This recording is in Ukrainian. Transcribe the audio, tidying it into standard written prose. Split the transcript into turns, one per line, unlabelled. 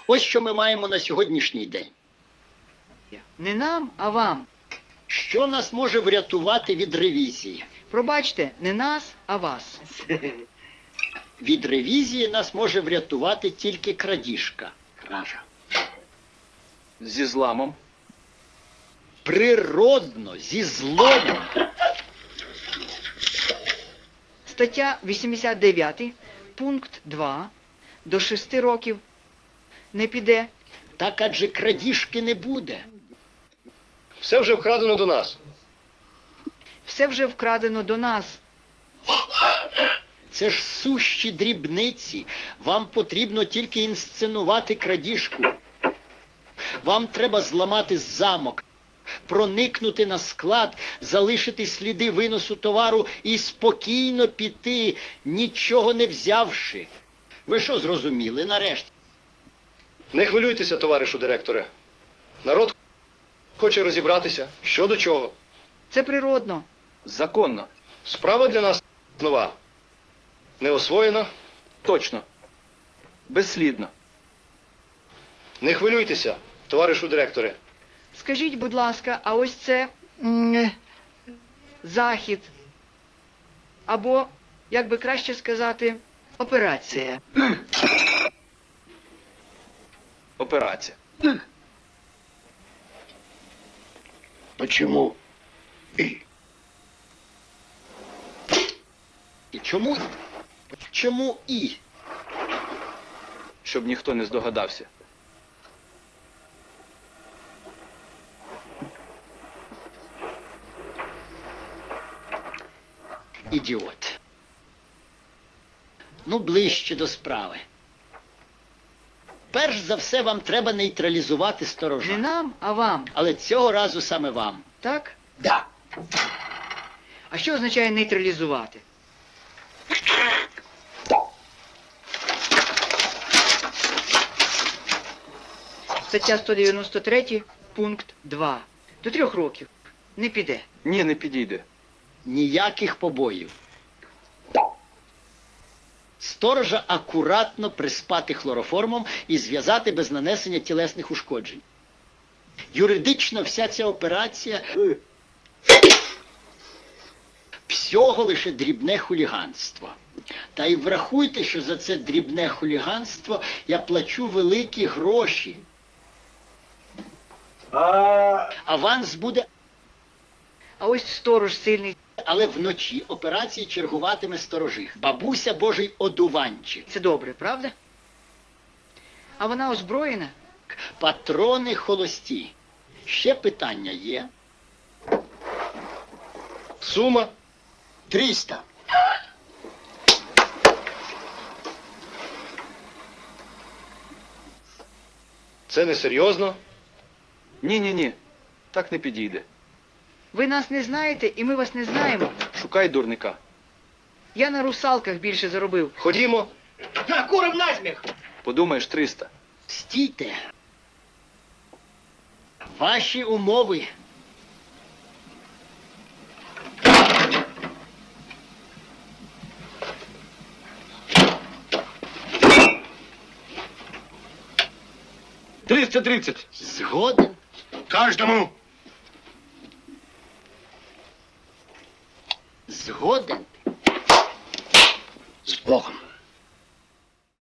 Ось що ми маємо на сьогоднішній день.
Не нам, а вам.
Що нас може врятувати від ревізії?
Пробачте, не нас, а вас.
Від ревізії нас може врятувати тільки крадіжка. Кража.
Зі зламом.
Природно, зі зломом.
Стаття 89, пункт 2. До 6 років не піде.
Так адже крадіжки не буде.
Все вже вкрадено до нас.
Все вже вкрадено до нас.
Це ж сущі дрібниці. Вам потрібно тільки інсценувати крадіжку. Вам треба зламати замок, проникнути на склад, залишити сліди виносу товару і спокійно піти, нічого не взявши. Ви що зрозуміли нарешті?
Не хвилюйтеся, товаришу директоре. Народ хоче розібратися, що до чого.
Це природно.
Законно.
Справа для нас нова. Не освоєна.
Точно. Безслідно.
Не хвилюйтеся, товаришу директоре.
Скажіть, будь ласка, а ось це захід. Або, як би краще сказати, операція.
Операція.
Почему? І чому? Чому і?
Щоб ніхто не здогадався.
Ідіот. Ну, ближче до справи. Перш за все, вам треба нейтралізувати
Не
сторожа.
нам, а вам.
Але цього разу саме вам.
Так?
Да.
А що означає нейтралізувати? Стаття 193, пункт 2. До 3 років не піде.
Ні, не підійде.
Ніяких побоїв. Сторожа акуратно приспати хлороформом і зв'язати без нанесення тілесних ушкоджень. Юридично вся ця операція всього лише дрібне хуліганство. Та й врахуйте, що за це дрібне хуліганство я плачу великі гроші. Аванс буде,
А ось сторож сильний.
але вночі операції чергуватиме сторожих. Бабуся Божий одуванчик.
Це добре, правда? А вона озброєна?
Патрони холості. Ще питання є?
Сума
300.
це несерйозно.
Ні. Так не підійде.
Ви нас не знаєте, і ми вас не знаємо.
Шукай дурника.
Я на русалках більше заробив.
Ходімо.
Подумаєш, 300.
Стійте. Ваші умови. Згоден.
Кожному.
Згоден.